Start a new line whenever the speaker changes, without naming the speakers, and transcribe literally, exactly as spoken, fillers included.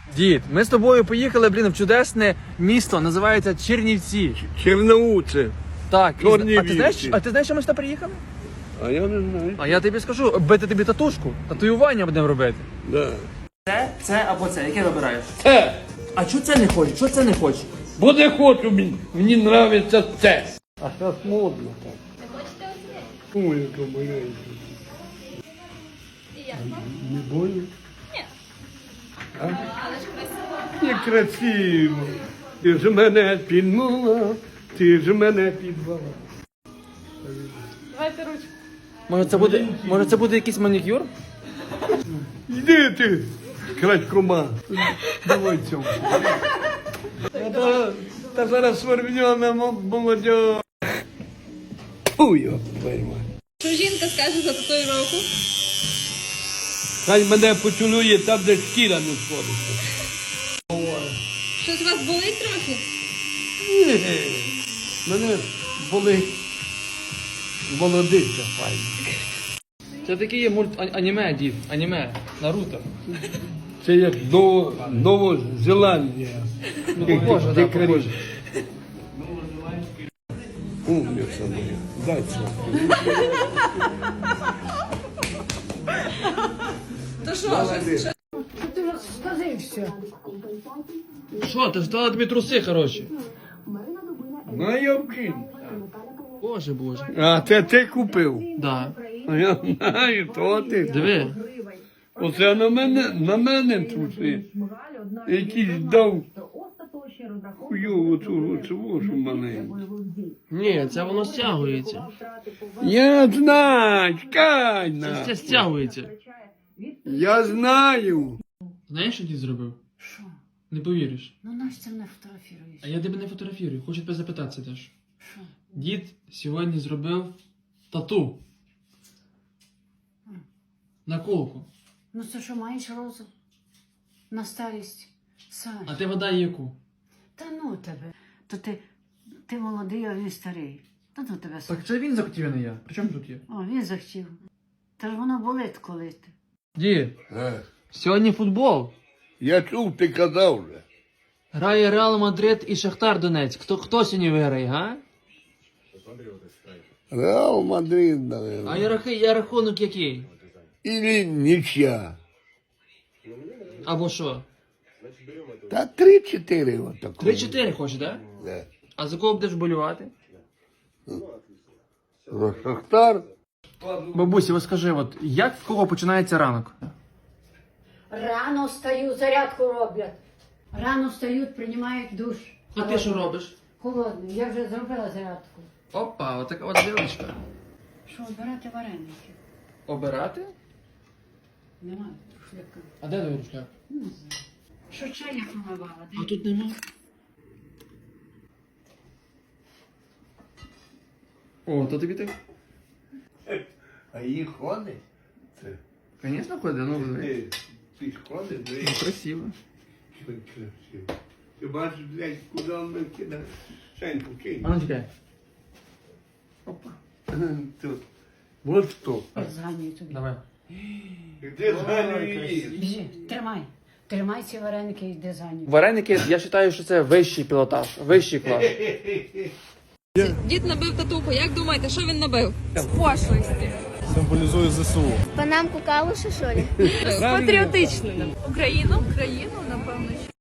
Дід, ми з тобою поїхали, блін, в чудесне місто, називається Чернівці.
Черноуце.
Так, і,
Чорні
а ти знаєш,
вівці.
а ти знаєш, що ми сюди приїхали?
А я не знаю.
А я тобі скажу, бити тобі татушку, татуювання будемо робити.
Да.
Це, це або це, яке вибираєш?
Це.
А чого це не хочеш? Чого це не хочеш?
Бо не хочу, мені, мені нравиться це. А зараз модно так.
Не хочете оце?
Ой, яка маленька.
І як вам?
Не больно?
Ні.
А?
Але ж красиво.
Не красиво. Ти ж мене підмала, ти ж мене підвала.
Давайте ручку.
Може це буде, може це буде якийсь манікюр?
Йди ти, крадькома. Давай цьому. Та, та зараз свербньона молодь. Фу, його пойма.
Що жінка скаже за татуїровку?
Хай мене поцілує там, де шкіра не сходиться.
Щось у вас болить трохи?
Ні, мене болить молодиця файна.
Це такий є мульт а- аніме, дід, аніме, Наруто.
Це як Ново, Новозеландія.
Ну, похоже, да, похоже.
Умниця моя. Дай це.
То що ж?
Ти сказився.
Що, ти ж дала тобі труси, хороші?
Ну, я вкину.
Боже, боже.
А це ти купив?
Да.
А я знаю, то ти.
Диви.
Оце на мене, на мене труси. Якийсь дав хуйову оцю оцю маленьку.
Ні, це воно стягується.
Я знаю, чекай
Це,
на.
це стягується.
Я знаю.
Знаєш, що дід зробив?
Що?
Не повіриш.
Ну наш це не фотографіруєш.
А я тебе не фотографірую, хочу тебе запитатися теж.
Що?
Дід сьогодні зробив тату. На колку.
Ну це що, маєш розум? На старість? Саш.
А ти вода яку?
Та ну тебе. То ти, ти молодий, а він старий. Та ну тебе, Саш.
Так це він захотів, а не я. При чому тут є?
О, він захотів. Та ж воно болить коли ти.
Дід,
Е,
сьогодні футбол.
Я чув, ти казав вже.
Грає Реал Мадрид і Шахтар Донецьк. Хто, хто сьогодні виграє, га?
Реал Мадрид, наверное.
А я, рахи- я рахунок який?
Или нічия.
Або що?
Та три-чотири отако.
три-чотири хочеш, так? Да?
Да.
А за кого будеш болювати?
Шахтар.
Бабусі, ось скажи, от як в кого починається ранок?
Рано встають, зарядку роблять. Рано встають, приймають душ.
А ти що робиш?
Холодний. Я вже зробила зарядку.
Опа, отака от дівчинка.
Що, обирати вареники?
Обирати?
Немає шляка.
А де твій рушляк?
Не знаю. Що чай я помивала?
А тут нема. О, то тобі так?
А їх ходить? Це.
Звісно, ходить, ну
Ти, ти ж ходиш,
ну,
блядь.
красиво.
Що красиво. Ти бачиш, блядь, куди він кидає? Шеньку кинь.
А ну чекай. Опа.
Тут. Вот що.
Зганюю тобі.
Давай.
Де зганю її?
Біжи, тримай. Тримай ці вареники і йди за ним.
Вареники, я вважаю, що це вищий пілотаж, вищий клас.
Дід набив татуху. Як думаєте, що він набив? Пошлості.
Символізує ЗСУ.
Панамку калуша, що ли?
Патріотичний. Україну? Україну, напевно.